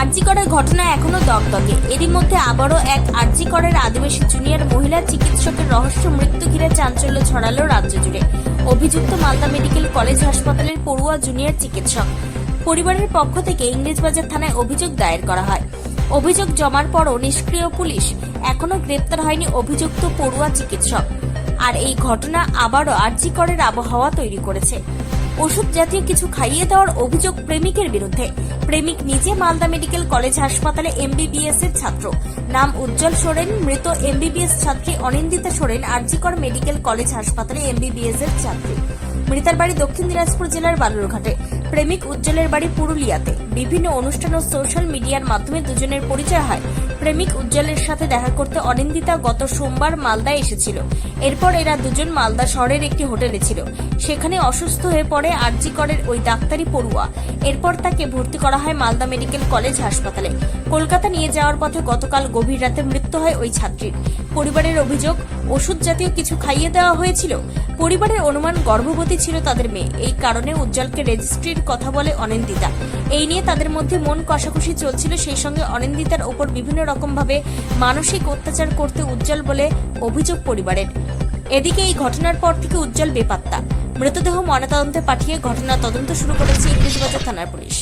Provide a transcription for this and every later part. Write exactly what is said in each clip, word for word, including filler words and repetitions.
আরজি করের ঘটনা এখনো দগদগে। এরই মধ্যে আবারও এক আরজি করের আদিবাসী জুনিয়র মহিলা চিকিৎসকের রহস্য মৃত্যু ঘিরে চাঞ্চল্য ছড়ালো রাজ্য জুড়ে। অভিযুক্ত মালদা মেডিকেল কলেজ হাসপাতালের পড়ুয়া জুনিয়র চিকিৎসক। পরিবারের পক্ষ থেকে ইংরেজবাজার থানায় অভিযোগ দায়ের করা হয়। অভিযোগ জমার পরও নিষ্ক্রিয় পুলিশ, এখনো গ্রেপ্তার হয়নি অভিযুক্ত পড়ুয়া চিকিৎসক। আর এই ঘটনা আবারও আরজি করের আবহাওয়া তৈরি করেছে। ওষুধ জাতীয় কিছু খাইয়ে দেওয়ার অভিযোগ প্রেমিকের বিরুদ্ধে। প্রেমিক নিজে মালদা মেডিকেল কলেজ হাসপাতালে এমবিবিএস এর ছাত্র, নাম উজ্জ্বল সোরেন। মৃত এমবিবিএস ছাত্রী অনিন্দিতা সোরেন আরজি কর মেডিকেল কলেজ হাসপাতালে এমবিবিএস এর ছাত্রী। মৃতার বাড়ি দক্ষিণ দিনাজপুর জেলার বালুরঘাটে, প্রেমিক উজ্জ্বলের বাড়ি পুরুলিয়াতে। বিভিন্ন অনুষ্ঠান ও সোশ্যাল মিডিয়ার মাধ্যমে দুজনের পরিচয় হয়। প্রেমিক উজ্জ্বলের সাথে দেখা করতে অনিন্দিতা গত সোমবার মালদায় এসেছিল। এরপর এরা দুজন মালদা শহরের একটি হোটেলে ছিল। সেখানে অসুস্থ হয়ে পড়ে আরজি করের ওই ডাক্তারি পড়ুয়া। এরপর তাকে ভর্তি করা হয় মালদা মেডিকেল কলেজ হাসপাতালে। কলকাতা নিয়ে যাওয়ার পথে গতকাল গভীর রাতে মৃত্যু হয় ওই ছাত্রীর। পরিবারের অভিযোগ, ওষুধ জাতীয় কিছু খাইয়ে দেওয়া হয়েছিল। পরিবারের অনুমান গর্ভবতী ছিল তাদের মেয়ে। এই কারণে উজ্জ্বলকে রেজিস্ট্রির কথা বলে অনিন্দিতা। এই নিয়ে তাদের মধ্যে মন কষাকষি চলছিল। সেই সঙ্গে অনিন্দিতার ওপর বিভিন্ন রকমভাবে মানসিক অত্যাচার করতে উজ্জ্বল বলে অভিযোগ পরিবারের। এদিকে এই ঘটনার পর থেকে উজ্জ্বল বেপাত্তা। মৃতদেহ ময়নাতদন্তে পাঠিয়ে ঘটনার তদন্ত শুরু করেছে ইংরেজবাজার থানার পুলিশ।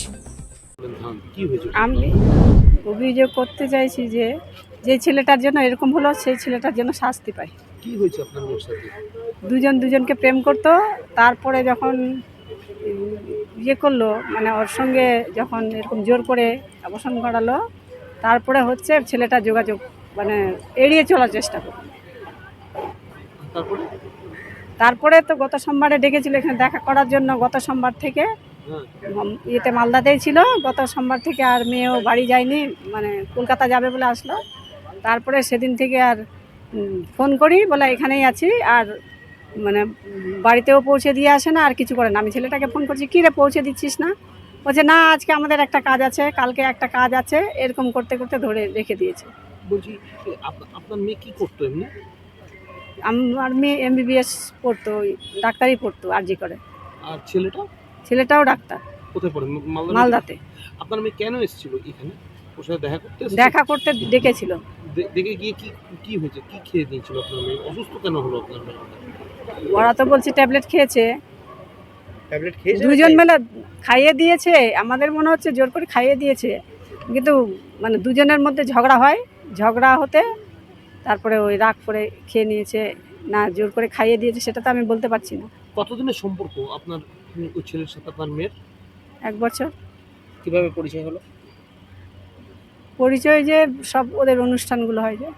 আমি অভিযোগ করতে চাইছি যে যে ছেলেটার জন্য এরকম হলো সেই ছেলেটার জন্য শাস্তি পায়। কি হয়েছে আপনার মেয়ের সাথে? দুজন দুজনকে প্রেম করতো, তারপরে যখন ইয়ে করলো, মানে ওর সঙ্গে যখন এরকম জোর করে অবসান করালো, তারপরে হচ্ছে ছেলেটা যোগাযোগ মানে এড়িয়ে চলার চেষ্টা করলো। তারপরে তারপরে তো গত সোমবারে ডেকেছিল এখানে দেখা করার জন্য। গত সোমবার থেকে ইয়েতে মালদাতেই ছিল। গত সোমবার থেকে আর মেয়েও বাড়ি যায়নি, মানে কলকাতা যাবে বলে আসলো। তারপরে সেদিন থেকে আর ফোন করি, বলে এখানেই আছি, আর মানে বাড়িতেও পৌঁছে দিয়ে আসে না, আর কিছু করে না। আমি ছেলেটাকে ফোন করছি, কী রে পৌঁছে দিচ্ছিস না? বলছে না, আজকে আমাদের একটা কাজ আছে, কালকে একটা কাজ আছে, এরকম করতে করতে ধরে রেখে দিয়েছে। বলছি আপনার মেয়ে কি করতো এমনি? আমার মেয়ে এমবিবিএস পড়তো, ডাক্তারি পড়তো আরজি করে। আর ছেলেটা? ছেলেটাও ডাক্তার। কোথায় পড়ে? মালদাতে। আপনার মেয়ে কেন এসেছিল এখানে? ওর সাথে দেখা করতে? দেখা করতে ডেকেছিল। দেখে গিয়ে কি কি হয়েছে? কি খেয়ে দিয়েছিল আপনার মেয়ে? অসুস্থ কেন হলো আপনার মেয়ে? ওরা তো বলছে ট্যাবলেট খেয়েছে। ট্যাবলেট খেয়েছে? দুজন মিলে খাইয়ে দিয়েছে। আমাদের মনে হচ্ছে জোর করে খাইয়ে দিয়েছে, কিন্তু মানে দুজনের মধ্যে ঝগড়া হয়। ঝগড়া হতে তারপরে ওই রাগ করে খেয়ে নিয়েছে, না জোর করে খাইয়ে দিয়েছে সেটা তো আমি বলতে পারছি না। কতদিনের সম্পর্ক আপনার ওই ছেলের সাথে আপনার মেয়ের? এক বছর। কিভাবে পরিচয় হলো? পরিচয় যে সব ওদের অনুষ্ঠানগুলো হয়, যে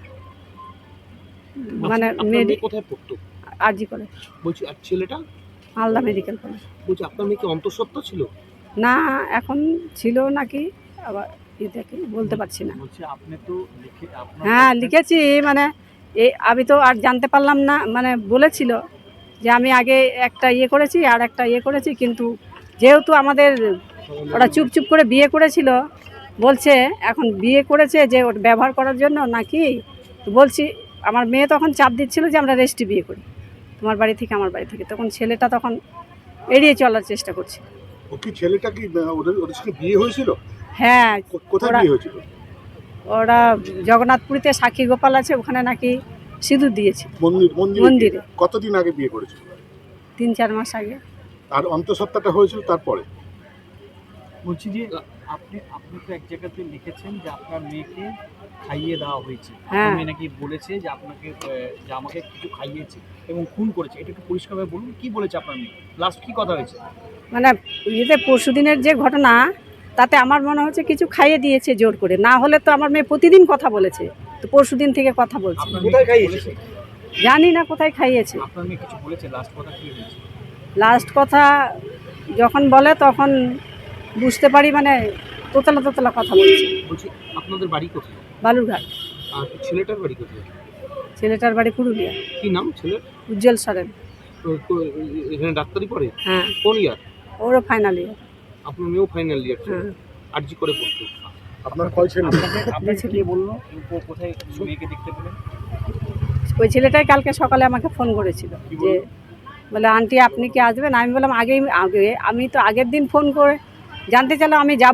মানে মেয়ে কোথায় পড়তো? আরজি করে। বলছি আর ছেলেটা? Malda medical college. বলছি আপনার মেয়ে কি অন্তঃসত্ত্বা ছিল? না, এখন ছিল নাকি, আবার দেখি বলতে পারছি না। আপনি তো লিখে? হ্যাঁ লিখেছি, মানে এই আমি তো আর জানতে পারলাম না, মানে বলেছিল যে আমি আগে একটা ইয়ে করেছি আর একটা ইয়ে করেছি, কিন্তু যেহেতু আমাদের ওরা চুপ চুপ করে বিয়ে করেছিল, বলছে এখন বিয়ে করেছে যে ওটা ব্যবহার করার জন্য নাকি। তো বলছি, আমার মেয়ে তখন চাপ দিচ্ছিল যে আমরা রেস্টে বিয়ে করি, তোমার বাড়ি থেকে আমার বাড়ি থেকে। তখন ছেলেটা তখন এড়িয়ে চলার চেষ্টা করছে। ও কি ছেলেটা কি ওদের ওদের সঙ্গে বিয়ে হয়েছিল? হ্যাঁ। কোথায় বিয়ে হয়েছিল? ওরা জগন্নাথপুরীতে সাক্ষী গোপাল আছে, ওখানে নাকি সিঁদুর দিয়েছে মন্দির মন্দিরে। কতদিন আগে বিয়ে করেছিল? তিন চার মাস আগে। আর অন্তঃসত্ত্বাটা হয়েছিল তারপরে? বলছি যে আপনি আপনি তো এক জায়গাতে লিখেছেন যে আপনার মেয়েকে খাইয়ে দেওয়া হয়েছে। হ্যাঁ। মেয়ে নাকি বলেছে যে আপনাকে যে আমাকে কিছু খাইয়েছে এবং খুন করেছে। এটা একটু পরিষ্কারভাবে বলুন, কি বলেছে আপনার মেয়ে? লাস্ট কি কথা হয়েছে? মানে ইয়েতে পরশু দিনের যে ঘটনা, তাতে আমার মনে হচ্ছে কিছু খাইয়ে দিয়েছে জোর করে। না হলে তো আমার মেয়ে প্রতিদিন কথা বলেছে, তো পরশু দিন থেকে কথা বলছে। কোথায় খাইয়েছে? জানি না কোথায় খাইয়েছে। আপনার মেয়ে কিছু বলেছে? লাস্ট কথা কি হয়েছে? লাস্ট কথা যখন বলে তখন বুঝতে পারি, মানে তোতলা তোতলা কথা বলছে। বলছি আপনাদের বাড়ি কোথায়? বালুরঘাট। আর ছেলেটার বাড়ি কোথায়? ছেলেটার বাড়ি পুরুলিয়া। কি নাম ছেলের? উজ্জ্বল সরেন। এখানে ডাক্তারি পড়ে? হ্যাঁ। কোন ইয়ার? ওরও ফাইনাল ইয়ার। আপনার মেয়েও ফাইনাল ইয়ার? হ্যাঁ। আরজি করে পড়তো। আপনার কয় ছেলে? আপনাকে কে বললো কোথায় মেয়েকে দেখতে পেলেন? ওই ছেলেটাই কালকে সকালে আমাকে ফোন করেছিল, যে বলে আন্টি আপনি কি আসবেন? আমি বললাম আগেই আগে আমি তো আগের দিন ফোন করে জানতে চাইলাম, আমি যাব,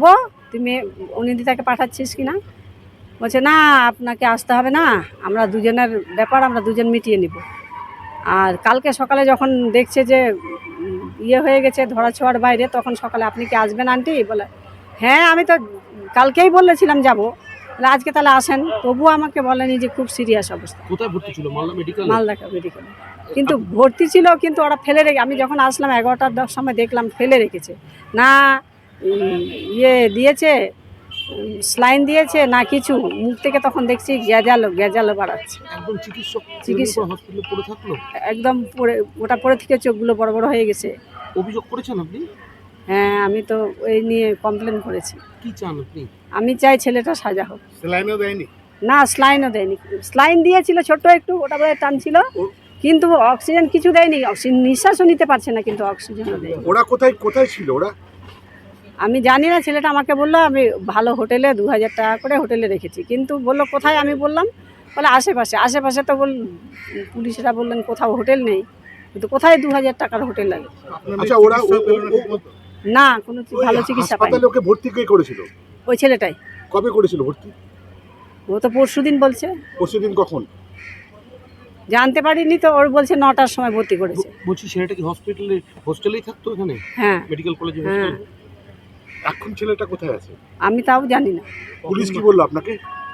তুই মেয়ে অনিন্দিতাকে পাঠাচ্ছিস কি না? বলছে না, আপনাকে আসতে হবে না, আমরা দুজনের ব্যাপার আমরা দুজন মিটিয়ে নিব। আর কালকে সকালে যখন দেখছে যে উম, ইয়ে হয়ে গেছে ধরা ছোঁয়ার বাইরে, তখন সকালে আপনি কি আসবেন আন্টি? বলে হ্যাঁ, আমি তো কালকেই বলেছিলাম যাব, আজকে তাহলে আসেন। তবুও আমাকে বলেনি যে খুব সিরিয়াস অবস্থা। কোথায় ভর্তি ছিল? মালদা মেডিকেল? মালদা মেডিকেলে কিন্তু ভর্তি ছিল, কিন্তু ওরা ফেলে রেখে, আমি যখন আসলাম এগারোটার দশ সময় দেখলাম ফেলে রেখেছে। না উম, ইয়ে দিয়েছে, স্লাইন দিয়েছে না কিছু, মুখ থেকে তখন দেখছি গ্যাজালো গ্যাজালো বাড়াচ্ছে। একদম চিকিৎসক চিকিৎসক। হসপিটালে পড়ে থাকলো? একদম পড়ে, ওটা পরে থেকে চোখগুলো বড় বড় হয়ে গেছে। অভিযোগ করেছেন আপনি? হ্যাঁ, আমি তো ওই নিয়ে কমপ্লেন করেছি। কি চান আপনি? আমি চাই ছেলেটা সাজা হোক। স্যালাইনও দেয়নি? না, স্লাইনও দেয়নি। স্লাইন দিয়েছিল ছোট একটু, ওটা বোধহয় টানছিল, কিন্তু অক্সিজেন কিছু দেয়নি। অক্সিজেন নিঃশ্বাসও নিতে পারছে না, কিন্তু অক্সিজেনও দেয়নি। ওরা কোথায় কোথায় ছিল ওরা? আমি জানি না, ছেলেটা আমাকে বললো আমি ভালো হোটেলে দু হাজার টাকা করে হোটেলে রেখেছি, কিন্তু বললো কোথায়? আমি বললাম বলে আশেপাশে। আশেপাশে তো বল পুলিশরা বললেন কোথাও হোটেল নেই, কিন্তু কোথায় দু হাজার টাকার হোটেল লাগে? আচ্ছা, ওরা ও- ও- ও- না, কোনো চি- ওই ভালো চিকিৎসা পাইনি। হাসপাতালে ওকে ভর্তি কে করেছিল? ওই ছেলেটাই। কবে করেছিল ভর্তি? ও তো পরশু দিন বলছে, পরশুদিন কখন? জানতে পারিনি তো। ওর বলছে নটার সময় ভর্তি করেছে। বলছি ছেলেটা কি হসপিটালে হোস্টেলেই থাকতো এখানে হ্যাঁ মেডিকেল কলেজে? হ্যাঁ, এখন ছেলেটা কোথায় আছে? আমি তাও জানি না। পুলিশ কি বললো আপনাকে?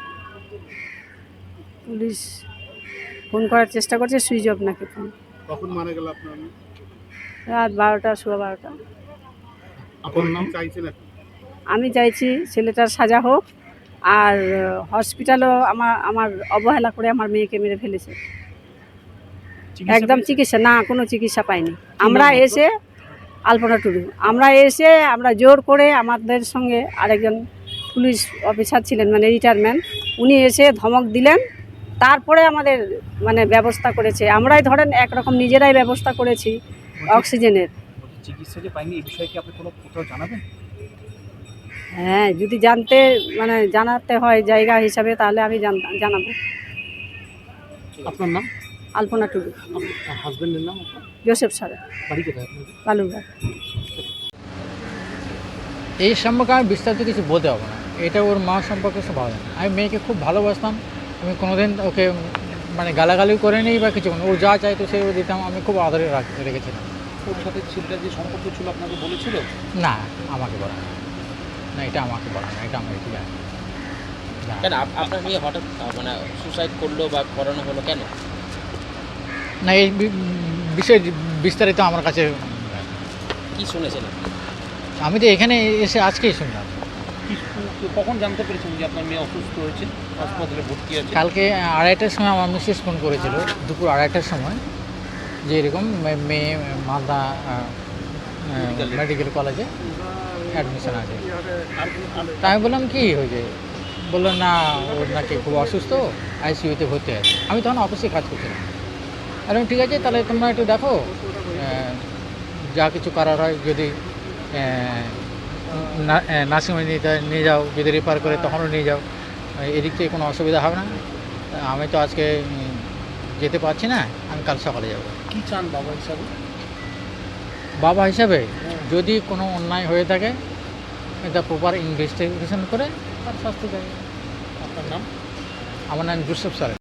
পুলিশ ফোন করার চেষ্টা করছে, সুইচ অফ নাকি ফোন। কখন মারা গেল আপনার? রাত বারোটা, সোয়া বারোটা। আপনার নাম? চাইছেন এখন? আমি চাইছি ছেলেটার সাজা হোক, আর হসপিটালও আমার আমার অবহেলা করে আমার মেয়েকে মেরে ফেলেছে। চিকিৎসা একদম পেয়েছে? চিকিৎসা না, কোনো চিকিৎসা পাইনি। আমরা নাম আপনার? এসে আলপনা টুডু, আমরা এসে আমরা জোর করে, আমাদের সঙ্গে আরেকজন পুলিশ অফিসার ছিলেন মানে রিটায়ারমেন্ট, উনি এসে ধমক দিলেন, তারপরে আমাদের মানে ব্যবস্থা করেছে। আমরাই ধরেন একরকম নিজেরাই ব্যবস্থা করেছি অক্সিজেনের। বলছি, চিকিৎসা যে পাইনি এই বিষয়ে কি আপনি কোনো কোথাও জানাবেন? হ্যাঁ, যদি জানতে মানে জানাতে হয় জায়গা হিসাবে, তাহলে আমি জান- জানাবো। আপনার নাম? আলপনা টুডু, আপনার হাজবেন্ডের নাম? আপনার জোসেফ সারা, বাড়ি কোথায় আপনার? বালুরঘাট। এই সম্পর্কে আমি বিস্তারিত কিছু বলতে পারবো না, এটা ওর মা সম্পর্কে সব ভালো জানে। আমি মেয়েকে খুব ভালোবাসতাম, আমি কোনোদিন ওকে মানে গালাগালিও করে নিই বা কিছু, ও যা চাইতো সে ও দিতাম, আমি খুব আদরে রাখ- রেখেছিলাম। ওর সাথে ছেলেটা যে সম্পর্ক ছিল আপনাকে বলেছিল? না, আমাকে বলা না, না এটা আমাকে বলা না, এটা আমি একটু জানি না। কেন আপ- আপনার মেয়ে হঠাৎ আহ, মানে সুসাইড করলো বা করানো হলো কেন? না, এই বি- বিষয়ে বিস্তারিত আমার কাছে কি শুনেছেন আপনি? আমি তো এখানে এসে আজকেই শুনলাম। কি- কখন জানতে পেরেছেন যে আপনার মেয়ে অসুস্থ হয়েছে, হাসপাতালে ভর্তি আছে? কালকে আড়াইটার সময় আমার মিসেস ফোন করেছিল, দুপুর আড়াইটার সময়, যে এরকম মে- মেয়ে মালদা মেডিকেল কলেজে অ্যাডমিশন আছে। তা আমি বললাম কি হয়েছে, বললো না ওর নাকি খুব অসুস্থ, আইসিইউতে ভর্তি আছে। আমি তখন অফিসে কাজ করছিলাম। আর আমি ঠিক আছে, তাহলে তোমরা একটু দেখো, আহ, যা কিছু করার হয়, যদি নার্সিংহোমে নিতে নিয়ে যাও, যদি রেফার করে তখনও নিয়ে যাও, এদিক থেকে কোনো অসুবিধা হবে না। আমি তো আজকে উম, যেতে পারছি না, আমি কাল সকালে যাব। কি চান বাবা হিসাবে? বাবা হিসাবে যদি কোনো অন্যায় হয়ে থাকে, এটা প্রপার ইনভেস্টিগেশন করে তার শাস্তি দেয়। আপনার নাম? আমার নাম জোসেফ স্যার।